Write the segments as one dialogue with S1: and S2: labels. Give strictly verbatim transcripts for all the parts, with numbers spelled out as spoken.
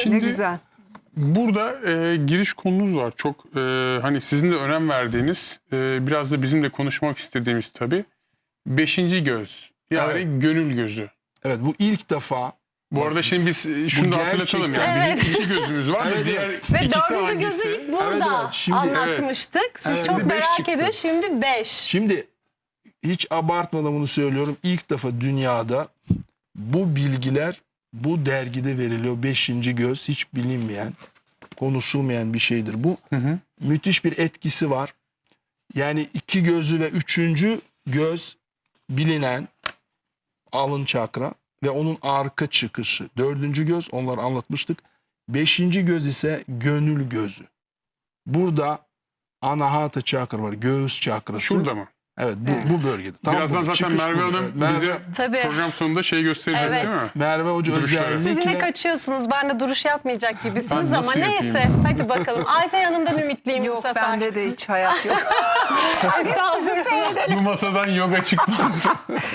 S1: Şimdi
S2: ne güzel.
S1: burada e, giriş konunuz var. Çok e, hani sizin de önem verdiğiniz, e, biraz da bizim de konuşmak istediğimiz tabii. Beşinci göz. Yani
S3: Evet.
S1: gönül gözü.
S3: Evet, bu ilk defa.
S1: Bu arada şimdi biz e, şunu da hatırlatalım. Yani
S2: gerçekten-
S1: bizim iki gözümüz var
S3: Evet,
S1: ve diğer
S3: evet.
S2: Ve
S1: ikisi
S2: dördüncü
S1: hangisi?
S2: gözü ilk burada
S3: Evet, evet. Şimdi-
S2: anlatmıştık. Siz
S3: Evet.
S2: çok
S1: Şimdi beş
S2: merak
S1: çıktı.
S2: edin. Şimdi beş.
S3: Şimdi hiç abartmadan bunu söylüyorum. İlk defa dünyada bu bilgiler bu dergide veriliyor. Beşinci göz hiç bilinmeyen, konuşulmayan bir şeydir. Bu
S1: Hı hı.
S3: müthiş bir etkisi var. Yani iki gözü ve üçüncü göz bilinen alın çakra ve onun arka çıkışı. Dördüncü göz, onları anlatmıştık. Beşinci göz ise gönül gözü. Burada anahata çakra var, göğüs çakrası.
S1: Şurada mı?
S3: Evet, bu, bu bölgede. Tam
S1: Birazdan
S3: burada.
S1: zaten
S3: Çıkış
S1: Merve
S3: burada.
S1: Hanım
S3: Evet, Merve,
S1: bize
S2: Tabii.
S1: program sonunda şey gösterecek
S2: Evet.
S1: değil mi?
S3: Merve Hoca
S1: Duruşları.
S2: Siz ne
S3: özellikle
S2: kaçıyorsunuz? Ben de duruş yapmayacak gibisiniz
S1: Ben
S2: ama
S1: nasıl yapayım?
S2: neyse. Hadi bakalım. Ayfer Hanım'dan ümitliyim bu
S4: Yok,
S2: sefer.
S4: bende de hiç hayat yok.
S2: Estağfurullah.
S1: Bu masadan yoga çıkmaz.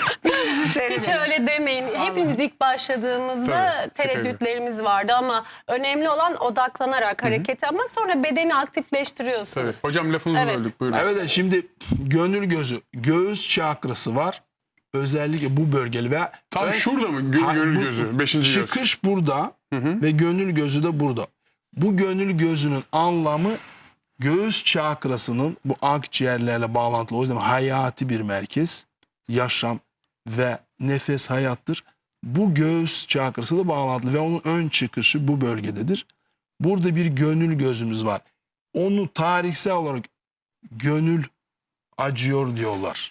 S2: Hiç öyle demeyin. Hepimiz ilk başladığımızda
S1: Tabii,
S2: tereddütlerimiz vardı ama önemli olan odaklanarak hareket yapmak, sonra bedeni
S1: Tabii.
S2: aktifleştiriyorsunuz.
S1: Hocam lafınızı
S2: Evet.
S1: böldük. Buyurun.
S3: Evet, evet, şimdi gönül gözü, göğüs çakrası var. Özellikle bu bölgeli ve
S1: Tam
S3: ön-
S1: şurada mı gö-
S3: Ha,
S1: gönül
S3: bu-
S1: gözü? Beşinci göz.
S3: Çıkış burada
S1: Hı hı.
S3: ve gönül gözü de burada. Bu gönül gözünün anlamı göğüs çakrasının bu akciğerlerle bağlantılı. O yüzden hayati bir merkez. Yaşam ve nefes hayattır. Bu göğüs çakrası da bağlantılı ve onun ön çıkışı bu bölgededir. Burada bir gönül gözümüz var. Onu tarihsel olarak gönül acıyor diyorlar.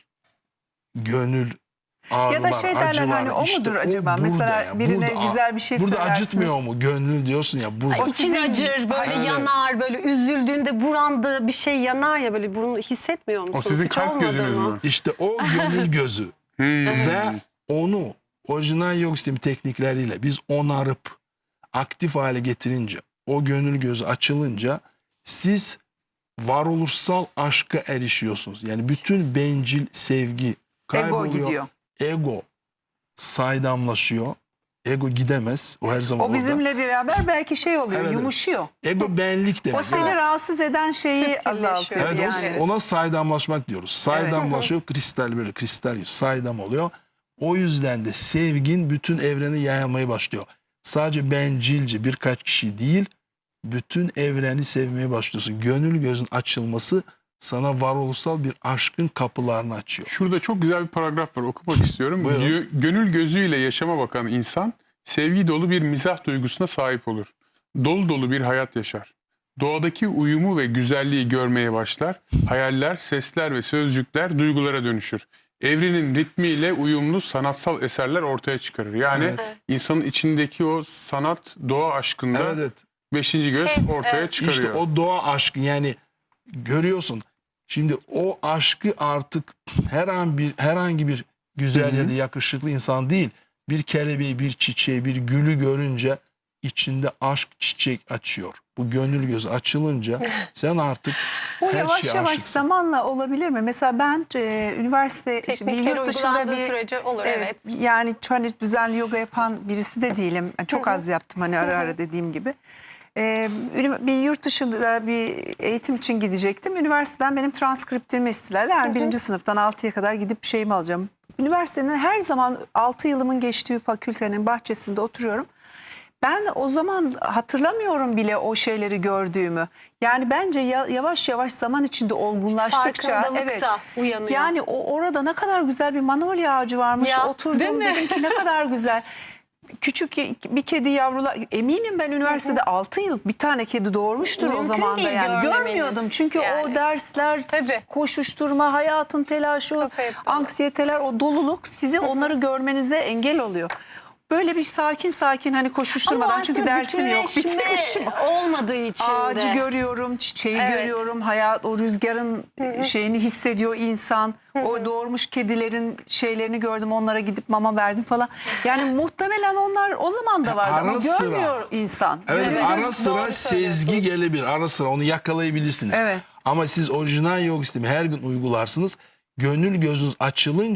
S3: Gönül ağrılar,
S4: Ya da şey derler,
S3: acılar.
S4: hani o
S3: İşte
S4: mudur
S3: o
S4: acaba?
S3: burada
S4: Mesela
S3: ya,
S4: birine
S3: burada-
S4: güzel bir şey
S3: Burada
S4: söylersiniz.
S3: acıtmıyor mu? Gönül diyorsun ya burada.
S2: İçin
S4: sizin-
S2: acır, böyle
S3: Evet.
S2: yanar, böyle üzüldüğünde burandığı bir şey yanar ya, böyle bunu hissetmiyor musunuz?
S1: O sizin
S2: Hiç
S1: kalp
S2: olmadı
S1: gözünüz
S2: mı?
S1: mü?
S3: İşte o gönül gözü.
S1: Hmm.
S3: Ve onu orijinal yoga sistemi teknikleriyle biz onarıp aktif hale getirince, o gönül gözü açılınca siz varoluşsal aşka erişiyorsunuz. Yani bütün bencil sevgi
S4: Ego
S3: kayboluyor.
S4: gidiyor.
S3: Ego saydamlaşıyor. Ego gidemez. O her zaman
S4: O
S3: orada.
S4: bizimle beraber belki şey oluyor,
S3: Evet, evet.
S4: yumuşuyor.
S3: Ego benlik demek.
S4: O seni rahatsız eden şeyi azaltıyor.
S3: Evet, o-
S4: yani.
S3: ona saydamlaşmak diyoruz. Saydamlaşıyor, kristal böyle kristal gibi saydam oluyor. O yüzden de sevgin bütün evreni yayılmaya başlıyor. Sadece bencilce birkaç kişi değil, bütün evreni sevmeye başlıyorsun. Gönül gözün açılması sana varoluşsal bir aşkın kapılarını açıyor.
S1: Şurada çok güzel bir paragraf var, okumak istiyorum.
S3: Buyurun.
S1: Diyor, gönül gözüyle yaşama bakan insan sevgi dolu bir mizah duygusuna sahip olur. Dolu dolu bir hayat yaşar. Doğadaki uyumu ve güzelliği görmeye başlar. Hayaller, sesler ve sözcükler duygulara dönüşür. Evrenin ritmiyle uyumlu sanatsal eserler ortaya çıkarır. Yani
S3: Evet.
S1: insanın içindeki o sanat, doğa aşkında
S3: Evet, evet.
S1: beşinci göz
S2: Evet,
S1: ortaya
S2: evet.
S1: çıkarıyor.
S3: İşte o doğa aşkı, yani görüyorsun. Şimdi o aşkı artık her an bir herhangi bir güzel
S1: Hı hı.
S3: ya da yakışıklı insan değil, bir kelebeği, bir çiçeği, bir gülü görünce içinde aşk çiçek açıyor. Bu gönül gözü açılınca sen artık
S4: Bu
S3: her
S4: yavaş
S3: şeye
S4: yavaş
S3: aşıksın.
S4: zamanla olabilir mi? Mesela ben e, üniversite, işte bir
S2: Teknikler
S4: yurt dışında
S2: uygulandığı
S4: bir
S2: sürece olur, evet.
S4: yani hani düzenli yoga yapan birisi de değilim. Yani çok az yaptım hani ara ara dediğim gibi. Ee, ünivers- bir yurt dışında bir eğitim için gidecektim. Üniversiteden benim transkriptimi istediler. Yani birinci sınıftan altıya kadar gidip şeyimi alacağım. Üniversitenin her zaman altı yılımın geçtiği fakültenin bahçesinde oturuyorum. Ben o zaman hatırlamıyorum bile o şeyleri gördüğümü. Yani bence ya- yavaş yavaş zaman içinde olgunlaştıkça
S2: Farkındalık
S4: evet.
S2: da uyanıyor.
S4: Yani o orada ne kadar güzel bir manolya ağacı varmış.
S2: Ya, değil
S4: Oturdum
S2: mi?
S4: dedim ki ne kadar güzel. Küçük bir kedi yavrular, eminim ben üniversitede altı yıl bir tane kedi doğurmuştur o
S2: Mümkün
S4: zaman da,
S2: değil
S4: yani
S2: görmemeniz.
S4: görmüyordum. Çünkü
S2: Yani.
S4: o dersler,
S2: Tabii.
S4: koşuşturma, hayatın telaşı,
S2: Kafayı dolu.
S4: anksiyeteler, o doluluk sizi onları görmenize engel oluyor. Böyle bir sakin sakin hani koşuşturmadan,
S2: Ama
S4: çünkü
S2: aslında
S4: dersim yok,
S2: bütünleşme
S4: bitirmişim.
S2: olmadığı için
S4: Ağacı
S2: de.
S4: görüyorum, çiçeği
S2: Evet.
S4: görüyorum, hayat, o rüzgarın şeyini hissediyor insan. O doğurmuş kedilerin şeylerini gördüm, onlara gidip mama verdim falan. Yani muhtemelen onlar o zaman da vardı ama
S3: Ara sıra.
S4: görmüyor insan.
S3: Evet,
S2: Evet,
S3: ara
S2: doğru
S3: sıra sezgi
S2: söylüyorsunuz.
S3: gelebilir. Ara sıra onu yakalayabilirsiniz.
S4: Evet.
S3: Ama siz orijinal yoga sistemi her gün uygularsınız. Gönül gözünüz açılınca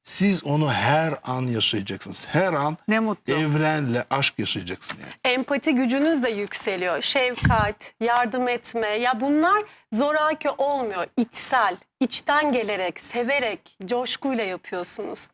S3: Siz onu her an yaşayacaksınız. Her an
S4: Ne mutlu.
S3: evrenle aşk yaşayacaksın yani.
S2: Empati gücünüz de yükseliyor. Şefkat, yardım etme. Ya bunlar zoraki olmuyor. İçsel, içten gelerek, severek, coşkuyla yapıyorsunuz.